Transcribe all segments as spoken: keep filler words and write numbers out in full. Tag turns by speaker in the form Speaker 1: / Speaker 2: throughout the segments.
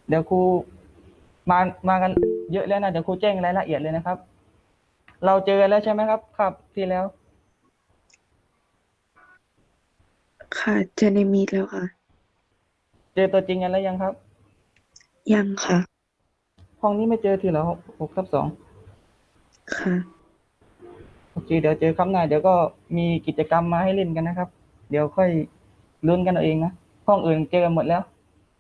Speaker 1: เดี๋ยวครูมามากันเยอะแล้วนะเดี๋ยวครูแจ้งรายละเอียดเลยนะครับเราเจอกันแล้วใช่ไหมครับครับที่แล้ว
Speaker 2: ค่ะเจอในมีดแล้วค่ะ
Speaker 1: เจอตัวจริงกันแล้วยังครับ
Speaker 2: ยังค่ะ
Speaker 1: ห้องนี้ไม่เจอทีเหรอหกทับสอง
Speaker 2: ค่ะ
Speaker 1: โอเคเดี๋ยวเจอครั้งหน้าเดี๋ยวก็มีกิจกรรมมาให้เล่นกันนะครับเดี๋ยวค่อยลุ้นกันเอาเองนะห้องอื่นเจอกันหมดแล้ว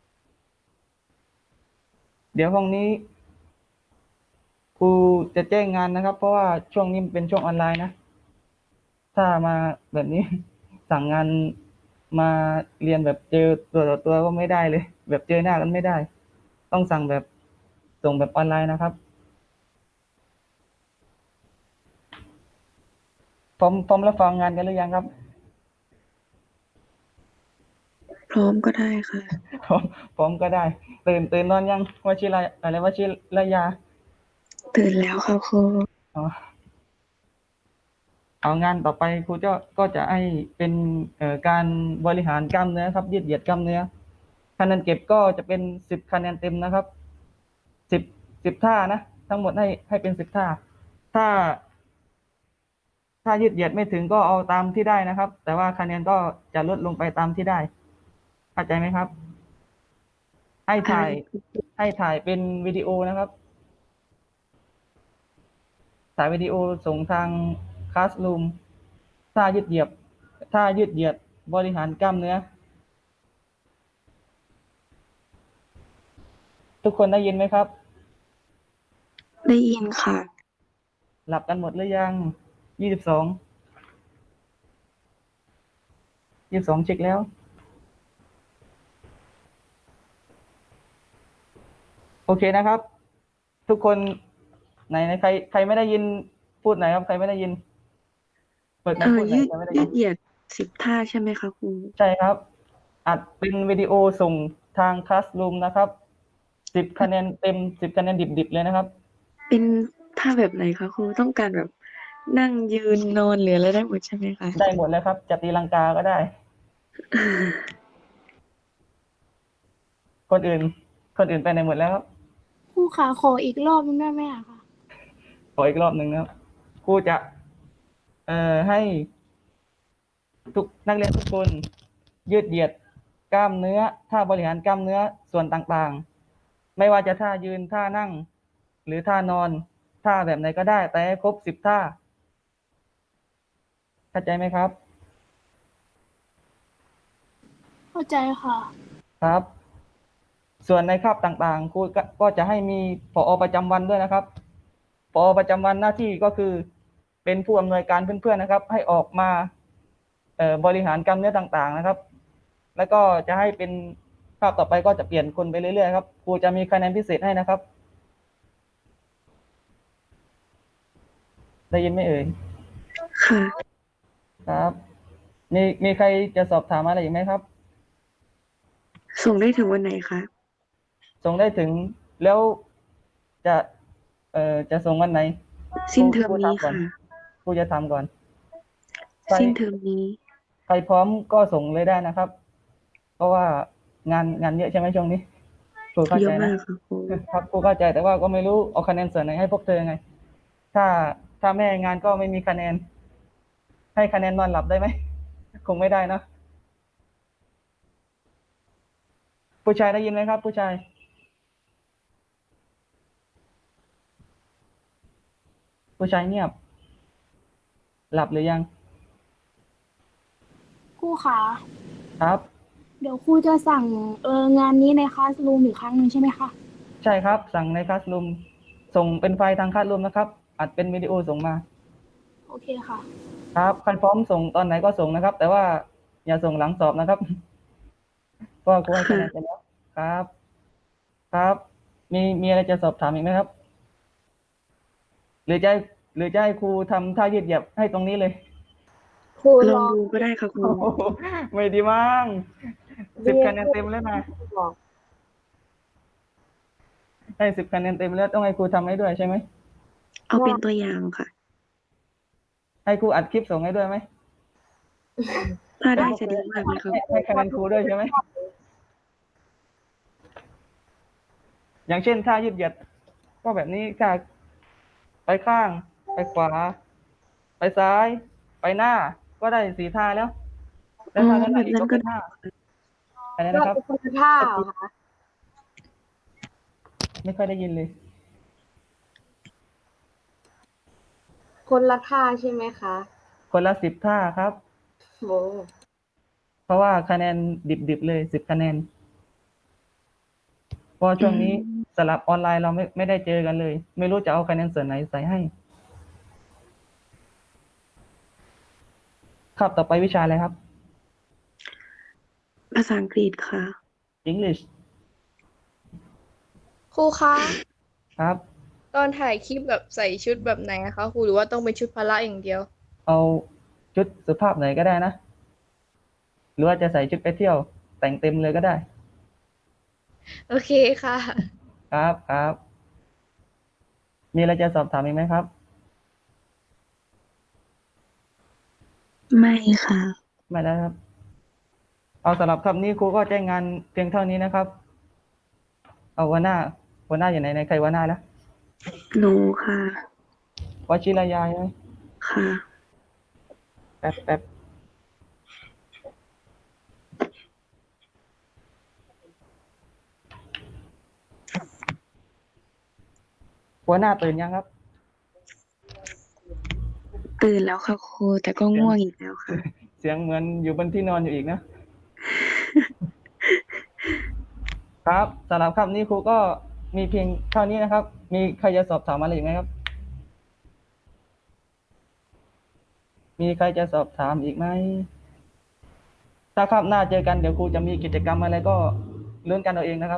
Speaker 1: เดี๋ยวห้องนี้ครูจะแจ้งงานนะครับเพราะว่าช่วงนี้มันเป็นช่วงออนไลน์นะถ้ามาแบบนี้สั่งงานมาเรียนแบบเจอตัวต่อตัวก็ไม่ได้เลยแบบเจอหน้ากันไม่ได้ต้องสั่งแบบส่งแบบออนไลน์นะครับพร้อมพร้อมรับฟังงานกันหรือยังครับ
Speaker 2: พร้อมก็ได้ค่ะ
Speaker 1: พร้อมพร้อมก็ได้ตื่นตื่นนอนยังวชิระอะไรวชิระยา
Speaker 2: ตื่นแล้วค่ะครู
Speaker 1: อ๋อเอางานต่อไปครูจะก็จะให้เป็นเอ่อการบริหารกล้ามเนื้อครับยืดเหยียดกล้ามเนื้อคะแนนเก็บก็จะเป็นสิบคะแนนเต็มนะครับสิบสิบท่านะทั้งหมดให้ให้เป็นสิบท่าถ้าถ้ายืดเหยียดไม่ถึงก็เอาตามที่ได้นะครับ แต่ว่าคะแนนก็จะลดลงไปตามที่ได้เข้าใจไหมครับให้
Speaker 2: อะไร
Speaker 1: ถ่ายให้ถ่ายเป็นวิดีโอนะครับถ่ายวิดีโอส่งทางคลาสรูมท่ายืดเหยียดท่ายืดเหยียดบริหารกล้ามเนื้อทุกคนได้ยินไหมครับ
Speaker 2: ได้ยินค่ะ
Speaker 1: หลับกันหมดหรือยังยี่สิบสองยี่สิบสองเช็คแล้วโอเคนะครับ ทุกคนไหนไหนใครใครไม่ได้ยินพูดไหนครับใครไม่ได้ยินเปิดไม
Speaker 2: เอ
Speaker 1: ค์พูดไหน
Speaker 2: อยืด
Speaker 1: ใครไม่ได้ยิน
Speaker 2: ยืดเหยียดสิบท่าใช่ไหมคะครู
Speaker 1: ใช่ครับอัดเป็นวิดีโอส่งทางคลาสรูมนะครับสิบคะแนนเต็มสิบคะแนนดิบๆเลยนะครับ
Speaker 2: เป็นท่าแบบไหนคะครูต้องการแบบนั่งยืนนอนหรืออะไรได้หมดใช่ไหมคะ
Speaker 1: ได้หมดแล้วครับจะตีลังกาก็ได้คนอื่นคนอื่นไปไหนหมดแล้วครับ
Speaker 3: ครูขาขออีกรอบนึงได้ไหมอะคะ
Speaker 1: ขออีกรอบหนึ่งนะครับครูจะเอ่อให้ทุกนักเรียนทุกคนยืดเหยียดกล้ามเนื้อท่าบริหารกล้ามเนื้อส่วนต่างๆไม่ว่าจะท่ายืนท่านั่งหรือท่านอนท่าแบบไหนก็ได้แต่ให้ครบสิบท่าเข้าใจไหมครับ
Speaker 3: เข้าใจค่ะ
Speaker 1: ครับส่วนในคาบต่างๆครูก็ก็จะให้มีผอประจำวันด้วยนะครับผอประจำวันหน้าที่ก็คือเป็นผู้อำนวยการเพื่อนๆนะครับให้ออกมาเอ่อบริหารกล้ามเนื้อต่างๆนะครับ แล้วก็จะให้เป็นภาพต่อไปก็จะเปลี่ยนคนไปเรื่อยๆครับครูจะมีคะแนนพิเศษให้นะครับได้ยินไหมเอ่ย
Speaker 2: ค่ะ
Speaker 1: ครับมีมีใครจะสอบถามอะไรอีกไหมครับ
Speaker 2: ส่งได้ถึงวันไหนคะ
Speaker 1: ส่งได้ถึงแล้วจะเอ่อจะส่งวันไหนครู
Speaker 2: สิ้นเทอ
Speaker 1: ครู
Speaker 2: มนี้
Speaker 1: ถามก่อน
Speaker 2: ค่ะ
Speaker 1: ครูจะถามก่อนใคร
Speaker 2: สิ้นเทอมนี้
Speaker 1: ใครพร้อมก็ส่งเลยได้นะครับเพราะว่างานงานเยอะใช่ไหมช่วงนี้ครูเข้า
Speaker 2: เย
Speaker 1: ใจนะ
Speaker 2: อะมากค่ะครู
Speaker 1: ครับครูเข้าใจแต่ว่าก็ไม่รู้เอาคะแนนส่วนไหนให้พวกเธอไงถ้าถ้าแม่งานก็ไม่มีคะแนนให้คะแนนนอนหลับได้ไหมคงไม่ได้นะผู้ชายได้ยินไหมครับผู้ชายผู้ชายเงียบหลับหรือยัง
Speaker 3: ครูขา
Speaker 1: ครับ
Speaker 3: เดี๋ยวครูจะสั่งเอองานนี้ในคลาสรูมอีกครั้งหนึ่งใช่ไหมคะ
Speaker 1: ใช่ครับสั่งในคลาสรูมส่งเป็นไฟล์ทางคลาสรูมนะครับอัดเป็นวิดีโอส่งมา
Speaker 3: โอเคค่ะ
Speaker 1: ครับใครพร้อมส่งตอนไหนก็ส่งนะครับแต่ว่าอย่าส่งหลังสอบนะครับเพราะว่าครูให้คะแนนไป
Speaker 2: ค่ะ
Speaker 1: แล้วครับครับมีมีอะไรจะสอบถามอีกไหมครับหรือจะให้หรือจะให้ครูทำท่ายืดเหยียบให้ตรงนี้เลย
Speaker 3: ครู
Speaker 2: ล
Speaker 3: ลอง
Speaker 2: องดูก็ได้ค่ะครู
Speaker 1: โอ้โหไม่ดีมั้งสิบ
Speaker 3: เรียน
Speaker 1: คะแนนเต็มแล้วนะ
Speaker 3: บอก
Speaker 1: ให้สิบคะแนนเต็มแล้วต้องให้ครูทำให้ด้วยใช่ไหม
Speaker 2: เอาเป็นตัวอย่างค่ะ
Speaker 1: ให้ครูอัดคลิปส่งให้ด้วยไหม
Speaker 2: ถ้า
Speaker 1: ให้พวกเธอ
Speaker 2: ได้จะดีมากเลยค่ะ
Speaker 1: ให้ให้คะแนนครูด้วยใช่ไหมอย่างเช่นท่ายืดเหยียดก็แบบนี้ท่าไปข้าง ไปขวา ไปซ้าย ไปหน้า ก็ได้สี่ท่าแล้ว แล้
Speaker 2: อ๋
Speaker 1: ว
Speaker 2: อ
Speaker 1: ท่าด้านห
Speaker 2: แบ
Speaker 1: ลัง
Speaker 2: บ
Speaker 1: อีก
Speaker 2: นั้น
Speaker 1: ก็
Speaker 2: ก็
Speaker 1: เป็นท่า อะไร
Speaker 3: ก็
Speaker 1: นะครับ
Speaker 3: เป็นคนละท่าเหรอคะ
Speaker 1: ไม่ค่อยได้ยินเลย
Speaker 3: คนละท่าใช่ไหมคะ
Speaker 1: คนละสิบท่าครับ
Speaker 3: โอ้
Speaker 1: เพราะว่าคะแนนดิบ ๆ เลยสิบคะแนน เพราะว่า
Speaker 2: อื
Speaker 1: ช่วงนี้
Speaker 2: ม
Speaker 1: สลับออนไลน์เราไม่ ไม่ได้เจอกันเลย ไม่รู้จะเอาคะแนนส่วนไหนใส่ให้ คาบต่อไปวิชาอะไรครับ?
Speaker 2: ภาษาอังกฤษค่ะ
Speaker 1: English
Speaker 4: ครูคะ
Speaker 1: ครับ
Speaker 4: ตอนถ่ายคลิปแบบใส่ชุดแบบไหนอะคะครู หรือว่าต้องเป็นชุดพละอย่างเดียว?
Speaker 1: เอาชุดสุภาพหน่อยก็ได้นะ หรือว่าจะใส่ชุดไปเที่ยว แต่งเต็มเลยก็ได้
Speaker 4: โอเคค่ะ
Speaker 1: ครับ ครับ มีอะไรจะสอบถามอีกไหมครับ?
Speaker 2: ไม่ค่ะ
Speaker 1: ไม่แล้วครับ เอาสำหรับคำนี้ครูก็แจ้งงานเพียงเท่านี้นะครับ เอาหัวหน้า หัวหน้าอยู่ไหน ไหนใครหัวหน้านะ?
Speaker 2: หนูค่ะ
Speaker 1: วชิรยาใช่ไหม?
Speaker 2: ค่ะ
Speaker 1: แป๊บ แป๊บ หัวหน้าตื่นยังครับ?
Speaker 2: ตื่นแล้วค่ะครู แต่ก็
Speaker 1: เสีย
Speaker 2: ง่
Speaker 1: ง
Speaker 2: วงอีกแล้วค่ะ
Speaker 1: เสียงเหมือนอยู่บนที่นอนอยู่อีกนะ ครับ สำหรับคำนี้ครูก็มีเพียงเท่านี้นะครับ มีใครจะสอบถามอะไรอีกไหมครับ? มีใครจะสอบถามอีกไหม? ถ้าคาบหน้าเจอกัน เดี๋ยวครูจะมีกิจกรรมอะไรก็ลุ้นกันเอาเองนะครับ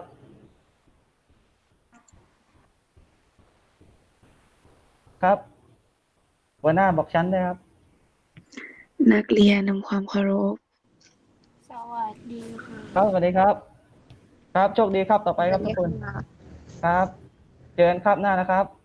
Speaker 1: ครับ หัวหน้าบอกชั้นด้วยครับ
Speaker 2: นักเรียนนำความเคารพ
Speaker 3: สวัสดีค่ะ
Speaker 1: ครับ สวัสดีครับ ครับ โชคดีคาบต่อไปครับทุกคน ครับ เจอกันคาบหน้านะครับ